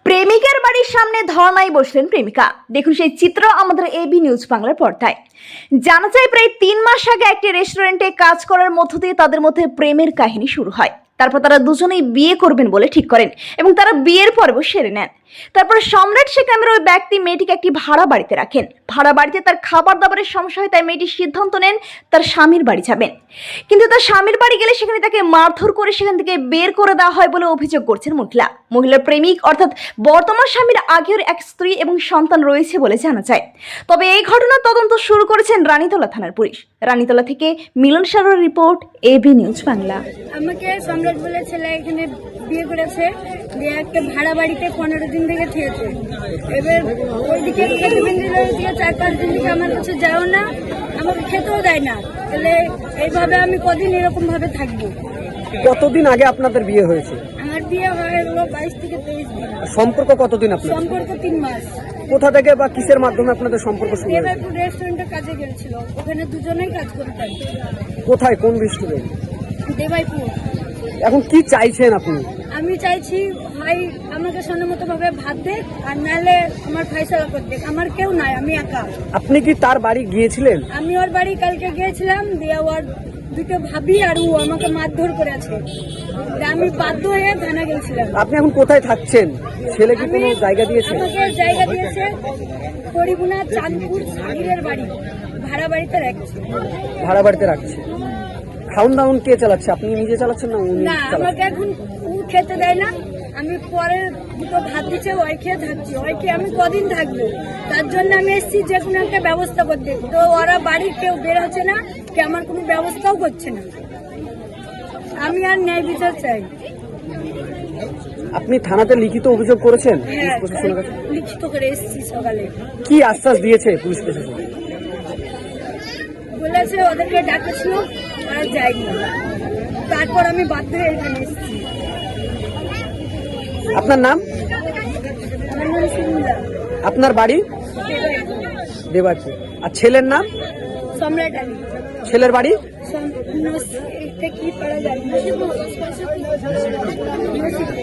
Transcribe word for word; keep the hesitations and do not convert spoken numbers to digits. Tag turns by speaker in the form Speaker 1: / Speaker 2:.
Speaker 1: প্রেমিকের বাড়ির সামনে ধর্নায় বসলেন প্রেমিকা। দেখুন সেই চিত্র আমাদের এবি নিউজ বাংলার পর্দায়। জানা যায় প্রায় তিন মাস আগে একটি রেস্টুরেন্টে কাজ করার মধ্য দিয়ে তাদের মধ্যে প্রেমের কাহিনী শুরু হয়। তারপর তারা দুজনেই বিয়ে করবেন বলে ঠিক করেন এবং তারা বিয়ের পর্ব সেরে নেন। তারপর সম্রাট শেখ নামের ওই ব্যক্তি মেয়েটিকে একটি ভাড়া বাড়িতে রাখেন। ভাড়া বাড়িতে তার খাবার দাবারের সমস্যা হয়, তাই মেয়েটি সিদ্ধান্ত নেন তার স্বামীর বাড়ি যাবেন। কিন্তু তার স্বামীর বাড়ি গেলে সেখানে তাকে মারধর করে সেখান থেকে বের করে দেওয়া হয় বলে অভিযোগ করছেন মহিলা। মহিলার প্রেমিক অর্থাৎ বর্তমান স্বামীর আগের এক স্ত্রী এবং সন্তান রয়েছে বলে জানা যায়। তবে এই ঘটনার তদন্ত শুরু করেছেন রানীতলা থানার পুলিশ। রানীতলা থেকে মিলন সারোর রিপোর্ট, এবি নিউজ বাংলা।
Speaker 2: আমাকে সম্রাট বলে ছেলে এখানে বিয়ে করেছে, দিয়ে একটা ভাড়া বাড়িতে পনেরো দিন থেকে খেয়েছে। এবার ওইদিকে ওইদিকে চার পাঁচ দিন থেকে আমার কাছে যাও না, আমাকে খেতেও দেয় না। তাহলে এইভাবে আমি কদিন এরকম ভাবে থাকবো?
Speaker 3: কতদিন আগে আপনাদের বিয়ে হয়েছে?
Speaker 2: আমার বিয়ে হয়ে গেল বাইশ থেকে তেইশ দিন।
Speaker 3: সম্পর্ক কতদিন আপনার?
Speaker 2: সম্পর্ক তিন মাস।
Speaker 3: কোথা থেকে বা কিসের মাধ্যমে আপনাদের সম্পর্ক শুরু হয়েছে?
Speaker 2: দেবাইপুর রেস্টুরেন্টে কাজে গেছিল, ওখানে দুজনেই কাজ করতেন।
Speaker 3: কোথায়, কোন রেস্টুরেন্ট?
Speaker 2: দেবাইপুর।
Speaker 3: এখন কি চাইছেন আপনি?
Speaker 2: আমি চাইছি ভাই আমাকে সন্মত ভাবে ভাত দে, আর নাহলে আমার ফাইসলা করতে। আমার কেউ নাই, আমি একা।
Speaker 3: আপনি কি তার বাড়ি গিয়েছিলেন?
Speaker 2: আমি ওর বাড়ি কালকে গিয়েছিলাম, দিয়ে ওর দুটো ভাবি আর ও আমাকে মারধর করেছে। আমি বাধ্য হয়ে থানা গেছিলাম।
Speaker 3: আপনি এখন কোথায় থাকছেন? ছেলে কি কোনো জায়গা দিয়েছে?
Speaker 2: আমাকে জায়গা দিয়েছে হরিগুনা চাঁদপুর শাড়ির বাড়ি, ভাড়া বাড়িতে রাখছে।
Speaker 3: ভাড়া বাড়িতে রাখছে। খাউন দাউন কে চালাচ্ছে? আপনি নিজে চালাচ্ছেন না উনি
Speaker 2: না, আমাকে
Speaker 3: চালাচ্ছেন?
Speaker 2: এখন ও খেতে দেয় না। আমি পরে দুটো ভাত দিচ্ছে, ওই খেয়ে থাকছি। ওই খেয়ে আমি কদিন থাকবো? তার জন্য আমি এসেছি যে কোনো একটা ব্যবস্থা করতে। তো ওরা বাড়ির কেউ বের হচ্ছে না, কে আমার কোনো ব্যবস্থাও করছে না। আমি আর ন্যায় বিচার চাই।
Speaker 3: আপনি থানাতে লিখিত অভিযোগ করেছেন
Speaker 2: হ্যাঁ,
Speaker 3: পুলিশ প্রশাসনের কাছে?
Speaker 2: লিখিত করে এসেছি সকালে।
Speaker 3: কি আশ্বাস দিয়েছে পুলিশ প্রশাসন?
Speaker 2: বলেছে ওদেরকে ডাকেছিল, ওরা যায়নি। তারপর আমি বাধ্য হয়ে এখানে এসেছি।
Speaker 3: আপনার নাম?
Speaker 2: আমার নাম সুন্দর।
Speaker 3: আপনার বাড়ি? দেবাইপুর। আর ছেলের নাম?
Speaker 2: সম্রাট আলী।
Speaker 3: ছেলের বাড়ি?
Speaker 2: সম- নস- এটা কি পারা যায় না।